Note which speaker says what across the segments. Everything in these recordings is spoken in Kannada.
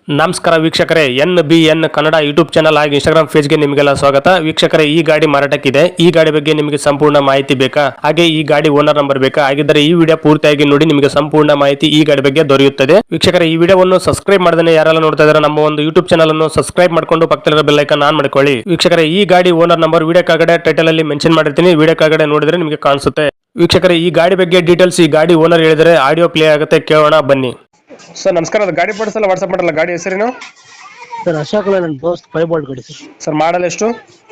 Speaker 1: ನಮಸ್ಕಾರ ವೀಕ್ಷಕರೇ, NBN ಕನ್ನಡ ಯೂಟ್ಯೂಬ್ ಚಾನಲ್ ಹಾಗೂ ಇನ್ಸ್ಟಾಗ್ರಾಮ್ ಪೇಜ್ಗೆ ನಿಮಗೆಲ್ಲ ಸ್ವಾಗತ. ವೀಕ್ಷಕರೇ, ಈ ಗಾಡಿ ಮಾರಾಟಕ್ಕಿದೆ. ಈ ಗಾಡಿ ಬಗ್ಗೆ ನಿಮಗೆ ಸಂಪೂರ್ಣ ಮಾಹಿತಿ ಬೇಕಾ? ಹಾಗೆ ಈ ಗಾಡಿ ಓನರ್ ನಂಬರ್ ಬೇಕಾ? ಹಾಗಿದ್ದರೆ ಈ ವಿಡಿಯೋ ಪೂರ್ತಿಯಾಗಿ ನೋಡಿ, ನಿಮಗೆ ಸಂಪೂರ್ಣ ಮಾಹಿತಿ ಈ ಗಾಡಿ ಬಗ್ಗೆ ದೊರೆಯುತ್ತದೆ. ವೀಕ್ಷಕರೇ, ಈ ವಿಡಿಯೋವನ್ನು ಸಬ್ಸ್ಕ್ರೈಬ್ ಮಾಡದೇ ಯಾರೆಲ್ಲ ನೋಡ್ತಾ ಇದ್ದಾರೆ ನಮ್ಮ ಒಂದು ಯೂಟ್ಯೂಬ್ ಚಾನಲ್ ಅನ್ನು ಸಬ್ಸ್ಕ್ರೈಬ್ ಮಾಡ್ಕೊಂಡು ಪಕ್ಕದಲ್ಲಿರೋ ಬೆಲ್ ಐಕಾನ್ ಆನ್ ಮಾಡ್ಕೊಳ್ಳಿ. ವೀಕ್ಷಕರೇ, ಈ ಗಾಡಿ ಓನರ್ ನಂಬರ್ ವಿಡಿಯೋ ಕೆಳಗಡೆ ಟೈಟಲ್ ಅಲ್ಲಿ ಮೆನ್ಷನ್ ಮಾಡಿರ್ತೀನಿ, ವಿಡಿಯೋ ಕೆಳಗಡೆ ನೋಡಿದ್ರೆ ನಿಮಗೆ ಕಾಣಿಸುತ್ತೆ. ವೀಕ್ಷಕರೇ, ಈ ಗಾಡಿ ಬಗ್ಗೆ ಡೀಟೇಲ್ಸ್ ಈ ಗಾಡಿ ಓನರ್ ಹೇಳಿದರೆ ಆಡಿಯೋ ಪ್ಲೇ ಆಗುತ್ತೆ, ಕೇಳೋಣ ಬನ್ನಿ. ಸರ್ ನಮಸ್ಕಾರ, ಅದು ಗಾಡಿ ಪಡಿಸಲ್ಲ ವಾಟ್ಸ್ಆಪ್ ಮಾಡಲ್ಲ, ಗಾಡಿ ಹೆಸರೇನು?
Speaker 2: ಸರ್ ಅಶೋಕ್ ಲೇಲ್ಯಾಂಡ್ ದೋಸ್ತ್ 5 ಬೋಲ್ಟ್ ಗಾಡಿ ಸರ್.
Speaker 1: ಸರ್ ಮಾಡಲ್ ಎಷ್ಟು?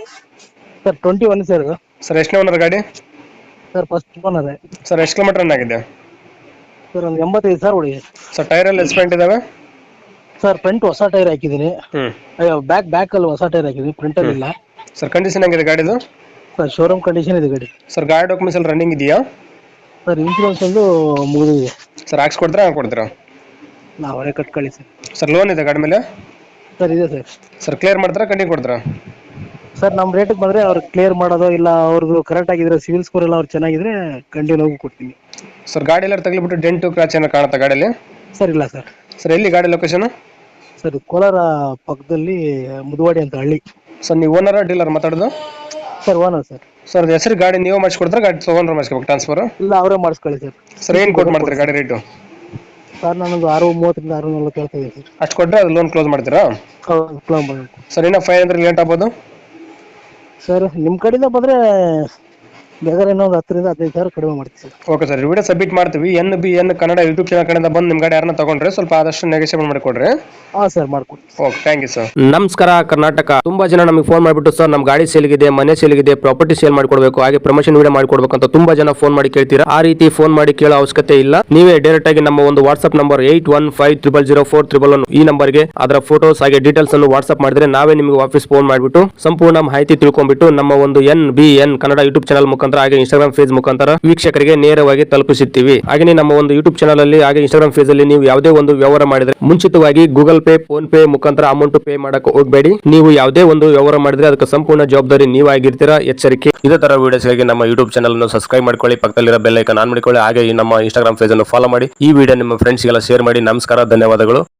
Speaker 2: ಸರ್ 21 ಸರ್ ಇದು.
Speaker 1: ಸರ್ ಎಷ್ಟು ಓನರ್ ಗಾಡಿ?
Speaker 2: Sir first owner.
Speaker 1: ಸರ್ ಎಷ್ಟು ಕಿಲೋಮೀಟರ್ ರನ್ ಆಗಿದೆ?
Speaker 2: ಸರ್ ಒಂದು 85 ಸರ್ ಹೊಡಿ.
Speaker 1: ಸರ್ ಟೈರ್ ಎಲ್ಲ ಎಸ್ಪೆಂಟ್ ಇದಾವೆ?
Speaker 2: ಸರ್ ಫ್ರಂಟ್ ಹೊಸ ಟೈರ್ ಹಾಕಿದ್ದೀನಿ. ಬ್ಯಾಕ್ ಅಲ್ಲಿ ಹೊಸ ಟೈರ್ ಹಾಕಿದ್ದೀನಿ, ಫ್ರಂಟ್ ಅಲ್ಲಿ ಇಲ್ಲ.
Speaker 1: ಸರ್ ಕಂಡೀಷನ್ ಹೆಂಗಿದೆ ಗಾಡಿದು?
Speaker 2: ಸರ್ ಶೋರೂಮ್ ಕಂಡೀಷನ್ ಇದೆ ಗಾಡಿ.
Speaker 1: ಸರ್ ಗಾಡಿ ಡಾಕ್ಯುಮೆಂಟ್ಸ್ ಎಲ್ಲ ರನ್ನಿಂಗ್ ಇದೆಯಾ?
Speaker 2: ಸರ್ ಇನ್ಶೂರೆನ್ಸ್ ಒಂದು ಮುಗಿದಿದೆ.
Speaker 1: ಸರ್ ಹಾಕ್ಸ್ಕೊಡ್ತೀರಾ ಕೊಡ್ತೀರಾ?
Speaker 2: ನಾವೇ ಕಟ್ಕೊಳ್ಳಿ ಸರ್.
Speaker 1: ಸರ್ ಲೋನ್ ಇದೆ ಗಾಡಿ ಮೇಲೆ?
Speaker 2: ಸರ್ ಇದೆ ಸರ್.
Speaker 1: ಸರ್ ಕ್ಲಿಯರ್ ಮಾಡ್ತಾರಾ ಕಂಟಿನ್ಯೂ ಕೊಡ್ತೀರಾ?
Speaker 2: ಸರ್ ನಮ್ಮ ರೇಟಿಗೆ ಬಂದರೆ ಅವ್ರು ಕ್ಲಿಯರ್ ಮಾಡೋದು ಇಲ್ಲ, ಅವ್ರದ್ದು ಕರೆಕ್ಟ್ ಆಗಿದ್ರೆ ಸಿವಿಲ್ ಸ್ಕೋರ್ ಎಲ್ಲ ಅವ್ರು ಚೆನ್ನಾಗಿದ್ರೆ ಕಂಟಿನ್ಯೂ ಹೋಗಿ ಕೊಡ್ತೀನಿ.
Speaker 1: ಸರ್ ಗಾಡಿ ಎಲ್ಲ ತಗ್ಲಿಬಿಟ್ಟು ಡೆಂಟು ಕ್ರಾಚ್ ಏನೋ ಕಾಣುತ್ತಾ ಗಾಡಿಯಲ್ಲಿ?
Speaker 2: ಸರ್ ಇಲ್ಲ ಸರ್.
Speaker 1: ಸರ್ ಎಲ್ಲಿ ಗಾಡಿ ಲೊಕೇಶನ್?
Speaker 2: ಸರ್ ಕೋಲಾರ ಪಕ್ಕದಲ್ಲಿ ಮುದುವಾಡಿ ಅಂತ ಹಳ್ಳಿ.
Speaker 1: ಸರ್ ನೀವು ಓನರ ಡೀಲರ್ ಮಾತಾಡೋದು?
Speaker 2: Sir owner sir.
Speaker 1: ಸರ್ ಅದು ಹೆಸರು ಗಾಡಿ ನೀವು ಮಾಡಿಸ್ಕೊಡ್ತಾರೆ, ಗಾಡಿ ತೊಗೊಂಡ್ರೆ ಮಾಡಿಸ್ಕೋಬೇಕು ಟ್ರಾನ್ಸ್ಫರ್?
Speaker 2: ಇಲ್ಲ ಅವರೇ ಮಾಡಿಸ್ಕೊಳ್ಳಿ ಸರ್.
Speaker 1: ಸರ್ ಏನು ಕೊಟ್ಟು ಮಾಡ್ತೀರಿ ಗಾಡಿ ರೇಟು?
Speaker 2: ಸರ್ ನಾನೊಂದು 630 640 ಕೇಳ್ತಾ ಇದ್ದೀನಿ ಸರ್.
Speaker 1: ಅಷ್ಟು ಕೊಟ್ಟರೆ ಅದು ಲೋನ್ ಕ್ಲೋಸ್ ಮಾಡ್ತೀರಾ?
Speaker 2: ಹೌದು.
Speaker 1: ಸರ್ ಇನ್ನೂ 500 ಲೇಟ್ ಆಗ್ಬೋದು?
Speaker 2: ಸರ್ ನಿಮ್ಮ ಕಡೆಯಿಂದ ಬಂದರೆ ಬೇಕಾದ್ರೆ ಇನ್ನೊಂದು 10 ರಿಂದ 15 ಸಾವಿರ ಕಡಿಮೆ ಮಾಡ್ತೀವಿ sir.
Speaker 1: Okay sir, video submit ಮಾಡ್ತೀವಿ. NBN ಕನ್ನಡ ಯೂಟ್ಯೂಬ್ ಚಾನಲ್ ಕಡೆಯಿಂದ ಬಂದು ನಿಮ್ಮ ಗಾಡಿ ಯಾರನ್ನ ತಗೊಂಡ್ರೆ ಸ್ವಲ್ಪ ಆದಷ್ಟು ನೆಗೋಷಿಯೇಟ್ ಮಾಡಿಕೊಡ್ರಿ.
Speaker 2: ಹಾಂ ಸರ್, ಮಾಡ್ಕೊಡ್ತೀವಿ.
Speaker 1: Okay, thank you sir.
Speaker 3: ನಮಸ್ಕಾರ ಕರ್ನಾಟಕ. ತುಂಬಾ ಜನ ನಮಗೆ ಫೋನ್ ಮಾಡಿಬಿಟ್ಟು ಸರ್ ನಮ್ಮ ಗಾಡಿ ಸೇಲ್ಗಿದೆ, ಮನೆ ಸೇಲ್ಗಿದೆ, ಪ್ರಾಪರ್ಟಿ ಸೇಲ್ ಮಾಡ್ಕೊಡ್ಬೇಕು, ಹಾಗೆ ಪ್ರಮೋಷನ್ ವಿಡಿಯೋ ಮಾಡ್ಕೊಡ್ಬೇಕು ಅಂತ ತುಂಬಾ ಜನ ಫೋನ್ ಮಾಡಿ ಕೇಳ್ತೀರಾ. ಆ ರೀತಿ ಫೋನ್ ಮಾಡಿ ಕೇಳೋ ಅವಶ್ಯಕತೆ ಇಲ್ಲ. ನೀವೇ ಡೈರೆಕ್ಟ್ ಆಗಿ ನಮ್ಮ ಒಂದು ವಾಟ್ಸ್ಆಪ್ ನಂಬರ್ 8150004111 ಈ ನಂಬರ್ಗೆ ಅದರ ಫೋಟೋಸ್ ಹಾಗೆ ಡೀಟೇಲ್ಸ್ ಅನ್ನು ವಾಟ್ಸ್ಆಪ್ ಮಾಡಿದ್ರೆ ನಾವೇ ನಿಮಗೆ ವಾಪಸ್ ಫೋನ್ ಮಾಡಿಬಿಟ್ಟು ಸಂಪೂರ್ಣ ಮಾಹಿತಿ ತಿಳ್ಕೊಂಡ್ಬಿಟ್ಟು ನಮ್ಮ ಒಂದು NBN ಕನ್ನಡ ಯೂಟ್ಯೂಬ್ ಚಾನಲ್ ಮುಖಾಂತರ ಹಾಗೆ ಇನ್ಸ್ಟಾಗ್ರಾಮ್ ಪೇಜ್ ಮುಖಾಂತರ ವೀಕ್ಷಕರಿಗೆ ನೇರವಾಗಿ ತಲುಪಿಸುತ್ತೀವಿ. ಹಾಗೆ ನಮ್ಮ ಒಂದು ಯೂಟ್ಯೂಬ್ ಚಾನಲ್ ಅಲ್ಲಿ ಹಾಗೆ ಇನ್ಸ್ಟಾಗ್ರಾಮ್ ಪೇಜ್ ಅಲ್ಲಿ ನೀವು ಯಾವುದೇ ಒಂದು ವ್ಯವಹಾರ ಮಾಡಿದ್ರೆ ಮುಂಚಿತವಾಗಿ ಗೂಗಲ್ ಪೇ, ಫೋನ್ ಪೇ ಮುಖಾಂತರ ಅಮೌಂಟ್ ಪೇ ಮಾಡಕ್ಕೆ ಹೋಗಬೇಡಿ. ನೀವು ಯಾವುದೇ ಒಂದು ವ್ಯವಹಾರ ಮಾಡಿದ್ರೆ ಅದಕ್ಕೆ ಸಂಪೂರ್ಣ ಜವಾಬ್ದಾರಿ ನೀವಾಗಿರ್ತೀರಾ, ಎಚ್ಚರಿಕೆ. ಇದೇ ತರ ವಿಡಿಯೋಸ್ಗಾಗಿ ನಮ್ಮ ಯೂಟ್ಯೂಬ್ ಚಾನಲ್ ಅನ್ನು ಸಬ್ಸ್ಕ್ರೈಬ್ ಮಾಡ್ಕೊಳ್ಳಿ, ಪಕ್ಕದಲ್ಲಿರೋ ಬೆಲ್ ಐಕಾನ್ ಆನ್ ಮಾಡಿಕೊಳ್ಳಿ, ಹಾಗೆ ನಮ್ಮ ಇನ್ಸ್ಟಾಗ್ರಾಮ್ ಪೇಜ್ ಅನ್ನು ಫಾಲೋ ಮಾಡಿ. ಈ ವಿಡಿಯೋ ನಿಮ್ಮ ಫ್ರೆಂಡ್ಸ್ಗೆಲ್ಲ ಶೇರ್ ಮಾಡಿ. ನಮಸ್ಕಾರ, ಧನ್ಯವಾದಗಳು.